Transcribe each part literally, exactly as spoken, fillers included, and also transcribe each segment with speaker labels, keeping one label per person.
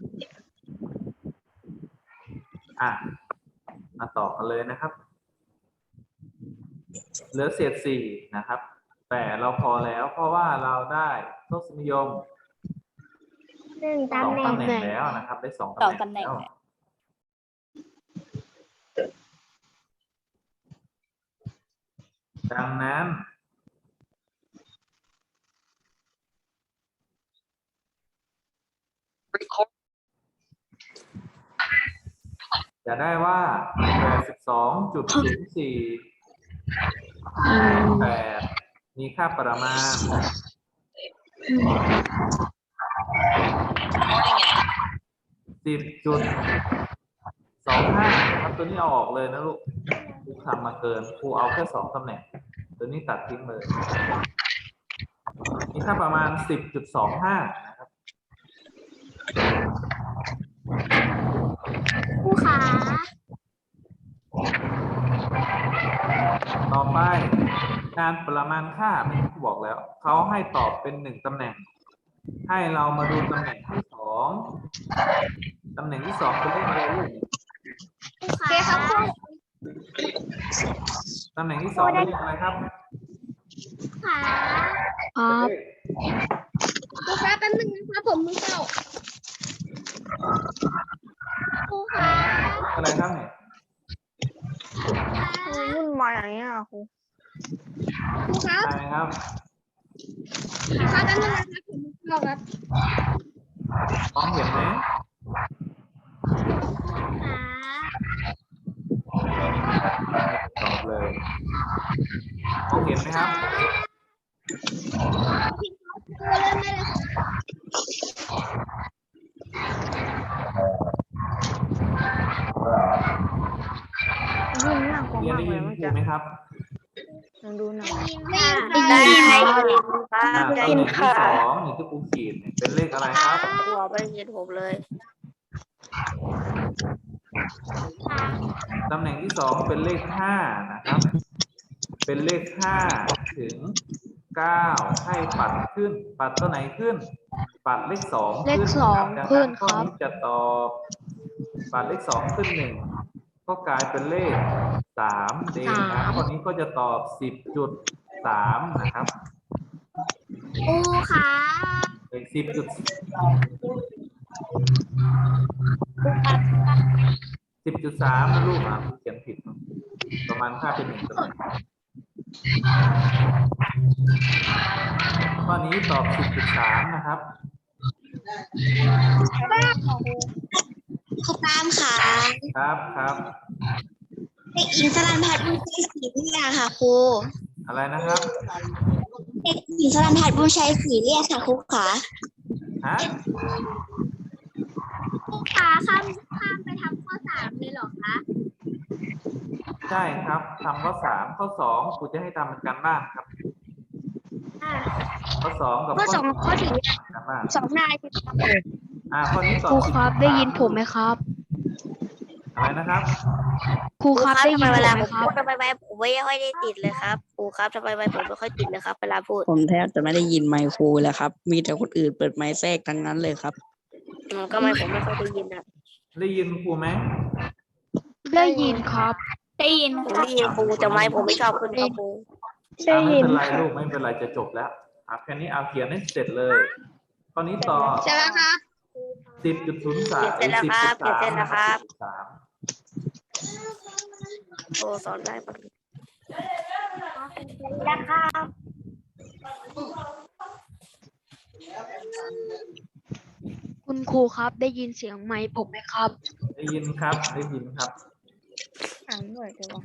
Speaker 1: อ่ะมาต่อกันเลยนะครับเหลือเศษสี่นะครับแต่เราพอแล้วเพราะว่าเราได้ทศนิยม
Speaker 2: หนึ่ง
Speaker 1: สอง
Speaker 2: ตำแหน่ง
Speaker 1: ตำแหน่งแล้วนะครับได้สอง
Speaker 3: สอง
Speaker 1: ตำแหน่ง
Speaker 3: ตำแหน่ง
Speaker 1: แล้วดังนั้นจะได้ว่า แปดสิบสองจุดศูนย์สี่ แปด มีค่าประมาณ สิบจุดสองห้า ครับตัวนี้เอาออกเลยนะลูกครูทำมาเกินครูเอาแค่สองตำแหน่งตัวนี้ตัดทิ้งเลยมีค่าประมาณ สิบจุดสองห้า นะครับ
Speaker 2: ครูขา
Speaker 1: ต่อไปการประมาณค่าไม่ครูบอกแล้วเขาให้ตอบเป็นหนึ่งตำแหน่งให้เรามาดูตำแหน่งที่สองตำแหน่งที่สองเป็นเลขอะไรลูก
Speaker 2: ครูขาครู
Speaker 1: ตำแหน่งที่สองเป็นเลขอะไรครับ
Speaker 2: ขา
Speaker 1: เป็นเลข
Speaker 2: ครูขาแป๊บนึงนะคะผมมือเก่าครูขา
Speaker 1: อะไรครับเนี่ย
Speaker 3: วุ่นวายอย่างนี้อ่ะครู
Speaker 2: ครูครับ
Speaker 1: อะไรครับ
Speaker 2: ครูขาแป๊บนึงนะคะผมมือเก่าครับ
Speaker 1: มองเห็นไหม
Speaker 2: ขา
Speaker 1: ตอบเลยมองเห็นไหมครับ
Speaker 2: ครูเริ่มได้เลยค่ะ
Speaker 3: ยุ่งยากกว่า
Speaker 1: เรียน
Speaker 3: มาก
Speaker 1: ได้
Speaker 3: เล
Speaker 1: ยิ
Speaker 3: ย
Speaker 1: น
Speaker 3: เมื่อ
Speaker 1: ครู
Speaker 3: กี้
Speaker 1: ไหมครับ
Speaker 3: ลองดูหน่อย
Speaker 2: ได้ยินค่ะ
Speaker 3: ได้ยิน
Speaker 1: อ่า
Speaker 3: ค่ะ
Speaker 1: ตำแหน่งที่สองนี่ที่ครูขีดเนี่ยเป็นเลขอะไรครับ
Speaker 3: ครูเอาไปเรียนผมเลย
Speaker 1: ตำแหน่งที่สองเป็นเลขห้านะครับ เป็นเลขห้าถึงเก้าให้ปัดขึ้น ปัดตัวไหนขึ้น ปัดเลขสอง
Speaker 4: เลข
Speaker 1: ขึ้น
Speaker 4: สอง
Speaker 1: นะครับ
Speaker 4: ขึ้น
Speaker 1: ดังนั้นข้อ
Speaker 4: ครับ
Speaker 1: นี้จะตอบปัดเลขสองขึ้นหนึ่งก็กลายเป็นเลขสามเองนะข้อนี้ก็จะตอบสิบจุดสามนะครับ
Speaker 2: ครูขา
Speaker 1: เลขสิบจุดสิบจุดสามนะลูกอ่ะเขียนผิดประมาณค่าเป็นหนึ่งตำแหน่งข้อนี้ตอบ สิบจุดสาม นะครับ
Speaker 2: ครูตามขา
Speaker 1: ครับครับ
Speaker 2: เด็กหญิงสรัญพัฒน์บุญชัยศรีเรียกค่ะครู
Speaker 1: อะไรนะครับ
Speaker 2: เด็กหญิงสรัญพัฒน์บุญชัยศรีเรียกค่ะครูขา
Speaker 1: ฮะ
Speaker 2: ครูขาข้ามข้ามไปทำข้อสามเลยเหรอคะ
Speaker 1: ใช่ครับทำข้อสามข้อสองครูจะให้ทำเป็นการบ้านครับ
Speaker 2: อ่า
Speaker 1: ข้อสองกับ
Speaker 2: ข้อสองข้อสี่
Speaker 1: การบ้าน
Speaker 2: สองนายคือ
Speaker 1: อ่าข้อนี้ตอบ
Speaker 4: ครูครับ
Speaker 1: สิจุสา
Speaker 4: ได้ยินผมไหมครับ
Speaker 1: อะไรนะครับ
Speaker 4: ครูครับได้ยิน
Speaker 3: ทำไม
Speaker 4: ผ
Speaker 3: เว
Speaker 4: ม
Speaker 3: ลา
Speaker 4: ไห
Speaker 3: ผม ม
Speaker 4: ครั
Speaker 3: พู
Speaker 4: บ
Speaker 3: ดทำไมไปผมไม่ค่อยได้ติดเลยครับครูครับทำไมไปผมไม่ค่อยติดเลยครับเวลาพูด
Speaker 5: ผมแทบจะไม่ได้ยินไมค์ครูแล้วครับ มีแต่คนอื่นเปิดไมค์แทรกทั้งนั้นเลยครับ
Speaker 3: อืมก็ไม่ผมไม่ค่อยได้ยินอ่ะ
Speaker 1: ได้ยินครูไหม
Speaker 4: ได้ยินครับ
Speaker 2: ได้ยิน
Speaker 3: ผมได้ยินครูแต่ไม่ผมไม่ชอบขึ้นครับครู
Speaker 1: อ่าไม่เป็นไรลูกไม่เป็นไรจะจบแล้วอ่ะแค่นี้เอาเขียนให้เสร็จเลยข้อนี้ต่อ
Speaker 2: ใช่แล้วครับ
Speaker 1: สิบจุดศูนย์สาม
Speaker 3: เขียนเสร็จแล้วครับเขียนเสร็จแล้วครับ
Speaker 1: สาม
Speaker 3: โอ้สอนได้ปะ
Speaker 2: นะครับ
Speaker 4: คุณครูครับได้ยินเสียงไมค์ผมไหมครับ
Speaker 1: ได้ยินครับได้ยินครับ
Speaker 3: อ่านด้วยเดี๋ยว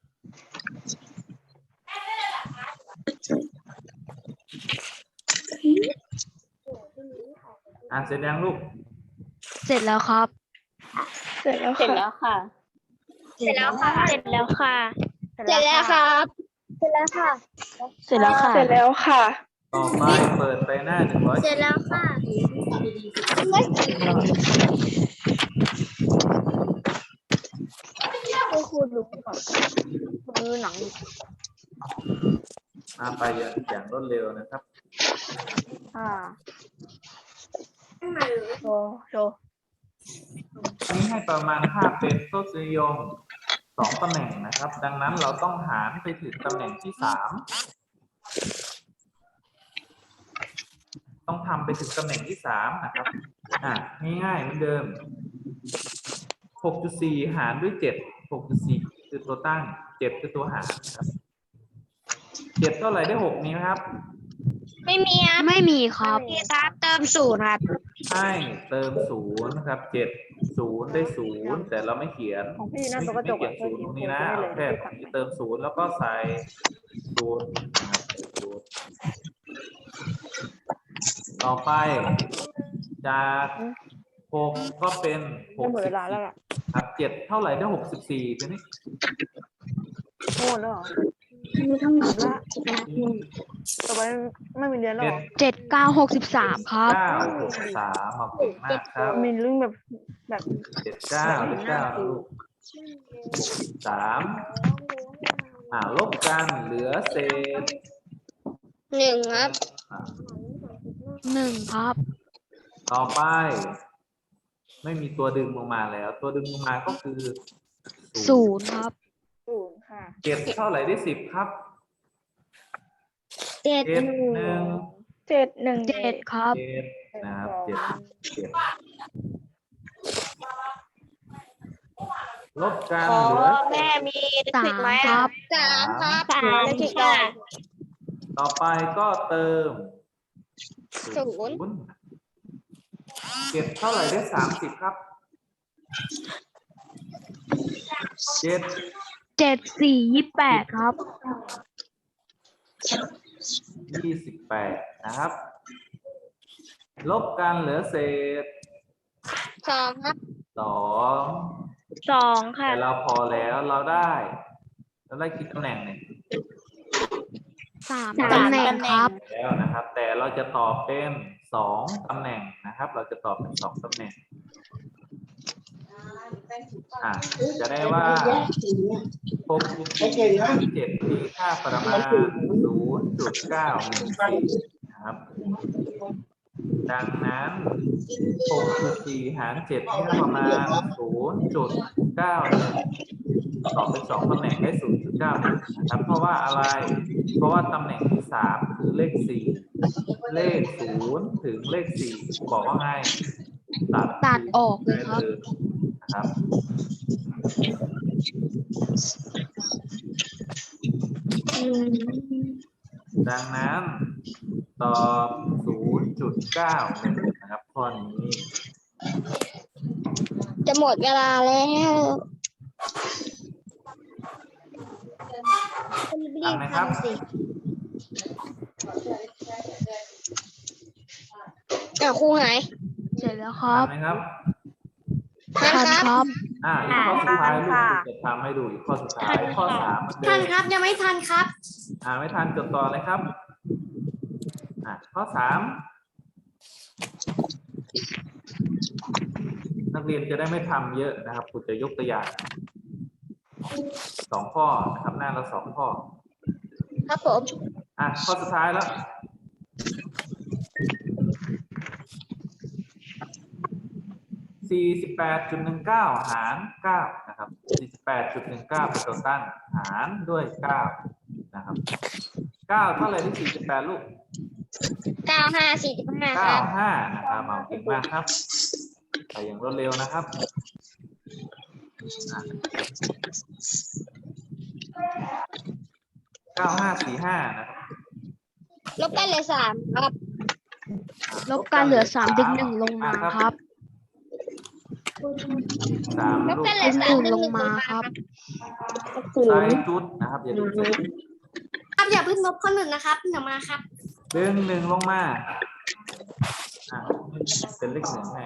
Speaker 1: อ่านเสร็จยังลูก
Speaker 4: เสร็จแล้วครับ
Speaker 3: เสร็จแล้วค่ะ
Speaker 2: เสร็จแล้วค่ะ
Speaker 4: เสร็จแล้วค่ะ
Speaker 2: เสร็จแล้วครับ เสร็จแล้วค่ะ
Speaker 4: เสร็จแล้วค่ะ
Speaker 3: เสร็จแล้วค่ะ
Speaker 1: ต่อไปเปิดไปหน้าหนึ่งร้อย
Speaker 2: เสร็จแล้วค่ะ
Speaker 3: คุณครูดูก่อนดูหนัง
Speaker 1: มาไปอย่างอย่างรวดเร็วนะครับ
Speaker 3: อ่าโชว์โชว์
Speaker 1: นี้ให้ประมาณค่าเป็นทศนิยมสองตำแหน่งนะครับ ดังนั้นเราต้องหารไปถึงตำแหน่งที่สามต้องทำไปถึงตำแหน่งที่สามนะครับอ่ะง่ายๆเหมือนเดิม หกจุดสี่ หารด้วยเจ็ด หกจุดสี่ คือตัวตั้งเจ็ดคือตัวหารครับเจ็ดเท่าไหร่ได้หกมีไหมครับ
Speaker 2: ไม่มีครับ
Speaker 4: ไม่มีครับ
Speaker 2: มีครับเติมศูนย์ครับ
Speaker 1: ให้เติมศูนย์นะครับเจ็ดศูนย์ได้ศูนย์แต่เราไม่เขียน
Speaker 6: ของพี่
Speaker 1: ไม่
Speaker 6: นั่นตัวกระจ
Speaker 1: ไม่
Speaker 6: ก
Speaker 1: เขีย
Speaker 6: อะ
Speaker 1: นศูนย์ตรงนี้นะเอาแค่เติมศูนย์แล้วก็ใส่ศูนย์นะครับศูนย์ต่อไปจากหกก็เป็นห
Speaker 6: จะ
Speaker 1: ก
Speaker 6: หมด
Speaker 1: สิ
Speaker 6: เว
Speaker 1: บ
Speaker 6: ลาแล้วล่ะ
Speaker 1: ครับเจ็ดเท่าไหร่ได้หกสิบสี่ตัวนี้
Speaker 6: โง่แล้วเหรอ
Speaker 2: มีทั้งหมด
Speaker 6: ละต่อไปไม่มีเรียนแล้ว
Speaker 1: เจ็
Speaker 6: เห
Speaker 1: ด
Speaker 6: รอ
Speaker 4: เจ็ดเก้าหกสิบสามครับ
Speaker 1: เก้าหกสามมาเก่งมากครับ
Speaker 6: มีเรื่องแบบแบบ
Speaker 1: เจ็ดเก้าเจ็ดเก้าลูกสามอ่าลบกันเหลือเศษ
Speaker 2: หนึ่งครับ
Speaker 1: อ่า
Speaker 4: หนึ่งครับ
Speaker 1: ต่อไป ไม่มีตัวดึงลงมาแล้ว ตัวดึงลงมาก็คือ
Speaker 4: ศูนย์ครับ
Speaker 6: ศูนย์ค่ะ
Speaker 1: เจ็ดเท่าไหร่ได้สิบครับ
Speaker 2: เจ็ด
Speaker 1: เจ็ด
Speaker 2: หนึ่ง
Speaker 1: หนึ่ง
Speaker 6: เจ็ดหนึ่ง
Speaker 4: เจ็ดครับ
Speaker 1: เจ็ดนะครับเจ็ดเจ็ดลบกัน
Speaker 3: ขอ
Speaker 1: เหลือ
Speaker 3: แม่มีลิ
Speaker 4: สา
Speaker 3: ขิต
Speaker 4: ม
Speaker 3: ไหม
Speaker 4: ค
Speaker 3: อะ
Speaker 4: รับ
Speaker 2: สามครับ
Speaker 3: สามลิขิตก่อน
Speaker 1: ต่อไปก็เติม
Speaker 2: ศูนย์
Speaker 1: ย์เจ็ดเท่าไหร่ได้สามสิบครับเจ็ด
Speaker 4: เจ็ดสี่ยี่แปดครับ
Speaker 1: ยี่สิบแปดนะครับ ลบกันเหลือเศษ
Speaker 2: สองครับ
Speaker 1: สอง
Speaker 3: สองค่ะ
Speaker 1: แต่เราพอแล้วเราได้ เราได้กี่ตำแหน่งเนี่ย
Speaker 4: สาม
Speaker 3: สาม
Speaker 4: ตำแหน่งครับ
Speaker 1: แล้วนะครับ แต่เราจะตอบเป็นสองตำแหน่งนะครับ เราจะตอบเป็นสองตำแหน่งอ่ะจะได้ว่าหกจุดสี่เจ็ดมีค่าประมาณศูนย์จุดเก้าหนึ่งสี่นะครับ ดังนั้น หกจุดสี่หารเจ็ดให้ประมาณ ศูนย์จุดเก้าหนึ่ง ตอบเป็นสองตำแหน่งได้ ศูนย์จุดเก้าหนึ่ง นะครับ เพราะว่าอะไร เพราะว่าตำแหน่งที่สามคือเลขสี่ เลขศูนย์ถึงเลขสี่บอกว่าไงตัด
Speaker 4: ตัดออกเลยครับ
Speaker 1: ได้นะครับ ดังนั้นตอบ ศูนย์จุดเก้าหนึ่ง นะครับข้อนี้
Speaker 2: จะหมดเวลาแล้ว
Speaker 1: ทำไหมครับ
Speaker 2: อ่ะครูหาย
Speaker 4: เสร็จแล้วครับ
Speaker 1: ทำไหมครับ
Speaker 4: ทันครับ
Speaker 1: อ่าอีกข้อสุดท้ายลูกจะทำให้ดูอีกข้อสุดท้าย ข้อสามเหมือนเดิ
Speaker 2: ทัน
Speaker 1: ม
Speaker 2: ครับยังไม่ทันครับ
Speaker 1: อ่าไม่ทันจดต่อเลยครับ อ่าข้อสามนักเรียนจะได้ไม่ทำเยอะนะครับครูจะยกตัวอย่างสองข้อนะครับหน้าละสองข้อ
Speaker 2: ครับผม
Speaker 1: อ่ะข้อสุดท้ายแล้ว สี่สิบแปดจุดหนึ่งเก้า หาร เก้า นะครับ สี่สิบแปดจุดหนึ่งเก้า เป็นตัวตั้ง หารด้วย เก้า นะครับ เก้า เท่าไหร่ที่สี่สิบแปดลูก
Speaker 2: เก้าห้าสี่สิบห้าค
Speaker 1: เก้า
Speaker 2: รับ
Speaker 1: ห้า นะครับเอาเก่งมากครับไปอย่างรวดเร็วนะครับอ่ะเก้าห้าสี่ห้านะครับ
Speaker 2: ลบกันเหลยสามครับ
Speaker 4: ลบการเหลือสามดึงหนึ่งลงมาครับ
Speaker 1: สาม
Speaker 2: ลบ
Speaker 1: ลูก
Speaker 2: กันเหล
Speaker 4: ดึ
Speaker 2: ย
Speaker 4: ง
Speaker 2: สา
Speaker 4: ห
Speaker 2: ม
Speaker 4: นึ่ง
Speaker 2: ดึง
Speaker 4: ล
Speaker 2: ห
Speaker 4: ง
Speaker 2: นึ่ง
Speaker 4: มาครับ
Speaker 1: ใส่จุดนะครับอย่าลืมใส่จุด
Speaker 2: ครับอย่าเพิ่งลบข้อหนึ่งนะครับเดี๋ยวมาครับ
Speaker 1: ดึงหนึ่งลงมาอ่ะเป็นเลขหนึ่งให้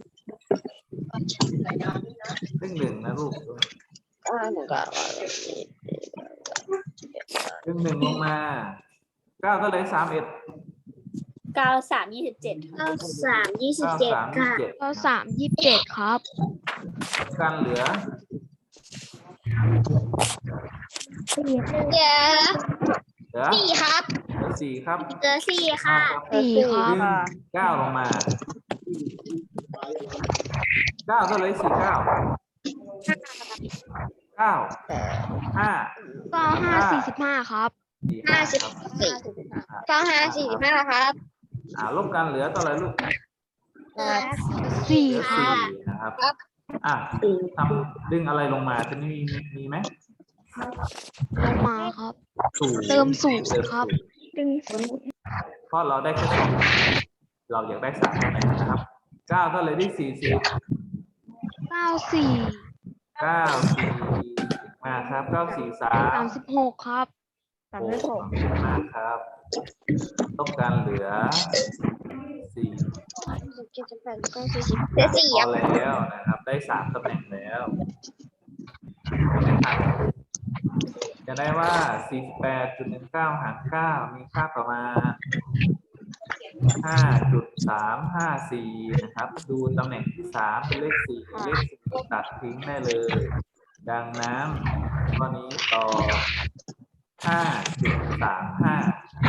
Speaker 1: เลขหนึ่งนะลูกดึงหนึ่งลงมาเก้าก็เลยสามเอ็ด
Speaker 3: เก้าสามยี่สิบเจ็ด
Speaker 2: เก้าสามยี่สิบ
Speaker 1: เก้า
Speaker 2: เจ็ด
Speaker 1: สามยี่
Speaker 2: ค่ะ
Speaker 1: สิบเจ็ด
Speaker 4: ก็สามยี่สิบเจ็ดครับ
Speaker 1: กันเหลือ
Speaker 2: เดี๋ยว
Speaker 1: เหลือ
Speaker 2: สี่ครับ
Speaker 1: เหลือสี่ครับ
Speaker 2: เหลือสี่ค่ะ
Speaker 4: สี่ครับ
Speaker 1: ดึงเก้าลงมาเก้าเท่าไรสี่เก้าเก้าห้า
Speaker 4: เก้าห้าสี่สิบห้าครับ
Speaker 1: สี่ห้าสิบสี่
Speaker 2: เก้าห้าสี่สิบห้าครับ
Speaker 1: อ่าลบกันเหลือเท่าไหรลูก
Speaker 4: สี่
Speaker 1: เหลือ
Speaker 4: ครั
Speaker 1: สี่
Speaker 4: บ
Speaker 1: นะครับอ่ะทำดึงอะไรลงมาจะมีมีมีไหม
Speaker 4: ลงมาครับ
Speaker 1: ศูนย์
Speaker 4: เติมศูนย์ครับ
Speaker 6: ดึง
Speaker 1: เพราะเราได้แค่สองเราอยากได้สามตำแหน่งนะครับเก้าเท่าไหรได้สี่สิบ
Speaker 4: เก้าสี่
Speaker 1: เก้าสี่มาครับเก้าสี่สาม
Speaker 4: สามสิบหกครับ
Speaker 6: สามสิบหก
Speaker 1: มากครับต้องการเหลือสี่
Speaker 2: เจ็ดสิบแปดเก้าสี่สิบเหลือสี่
Speaker 1: พอ
Speaker 2: อ่ะ
Speaker 1: แล้วนะครับ ได้สามตำแหน่งแล้วจะได้ว่าสี่สิบแปดจุดหนึ่งเก้าหารเก้ามีค่าประมาณห้าจุดสามห้าสี่นะครับ ดูตำแหน่งที่สามเป็นเลขสี่เลขสี่ตัดทิ้งได้เลย ดังนั้นข้อนี้ต่อห้าจุดสามห้า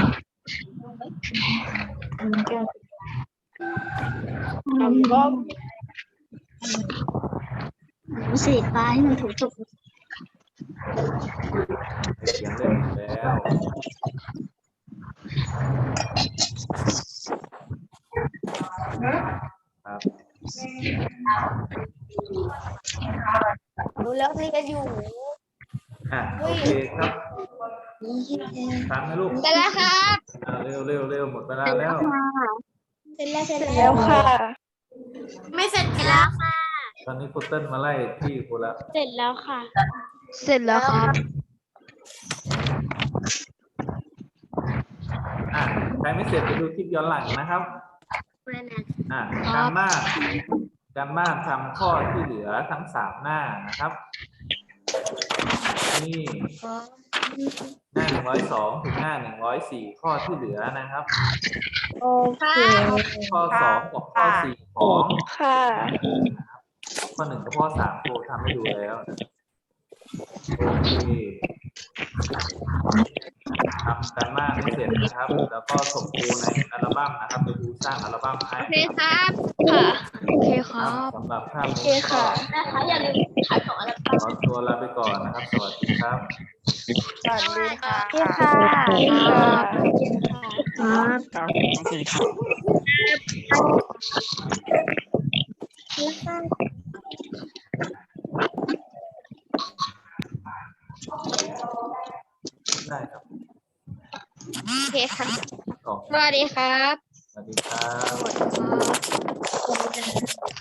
Speaker 6: ทำก็
Speaker 2: สีฟ้าให้มันถูกจุด
Speaker 1: เขียนเล่นแล้วครับ
Speaker 2: ดูแล้วนี่ก็อยู่
Speaker 1: อ่ะโอเคครับทำให้ลูก
Speaker 2: เสร็จแล้วครับ
Speaker 1: อ่าเร็วเร็วเร็วหมดเวลาแล้ว
Speaker 2: เสร็จแล้วเสร็จ
Speaker 6: แล้วค่ะ
Speaker 2: ไม่เสร็จแล้วค่ะ
Speaker 1: ตอนนี้คุณเติ้ลมาไล่ที่คุณละ
Speaker 2: เสร็จแล้วค่ะ
Speaker 4: เสร็จแล้วครับ
Speaker 1: อ่ะใครไม่เสร็จไปดูคลิปย้อนหลังนะครับ อ่ะการบ้านการบ้านทำข้อที่เหลือทั้งสามหน้านะครับ นี่หน้าหนึ่งร้อยสองถึงหน้าหนึ่งร้อยสี่ข้อที่เหลือนะครับ
Speaker 6: โอเค
Speaker 1: ข้อสองกับข้อสี่ของ
Speaker 6: ค่ะ
Speaker 1: ข้อหนึ่งกับข้อสามครูทำให้ดูแล้วนะโอเคทำการบ้านให้เสร็จนะครับ แล้วก็ส่งครูในอัลบั้มนะครับไปดูสร้างอัลบั้มให้
Speaker 2: โอเคครับ
Speaker 4: ค่ะ โอเคครับ
Speaker 1: สำหรับภาพ
Speaker 6: โอเค
Speaker 1: นี้ก็
Speaker 6: ค่ะ
Speaker 2: นะคะอย่าลืมขายของอะไร
Speaker 1: ขอตัวลาไปก่อนนะครับ สวัสดีครับ
Speaker 6: สวัสดีค่ะ
Speaker 2: ค่ะ
Speaker 5: ครับต่อสี่ครับ
Speaker 1: ได้ครับ
Speaker 2: โอเคค่ะ
Speaker 1: ต่อ
Speaker 2: สวัสดีครับ
Speaker 1: สวัสดีครับ
Speaker 4: สวัสดีครับ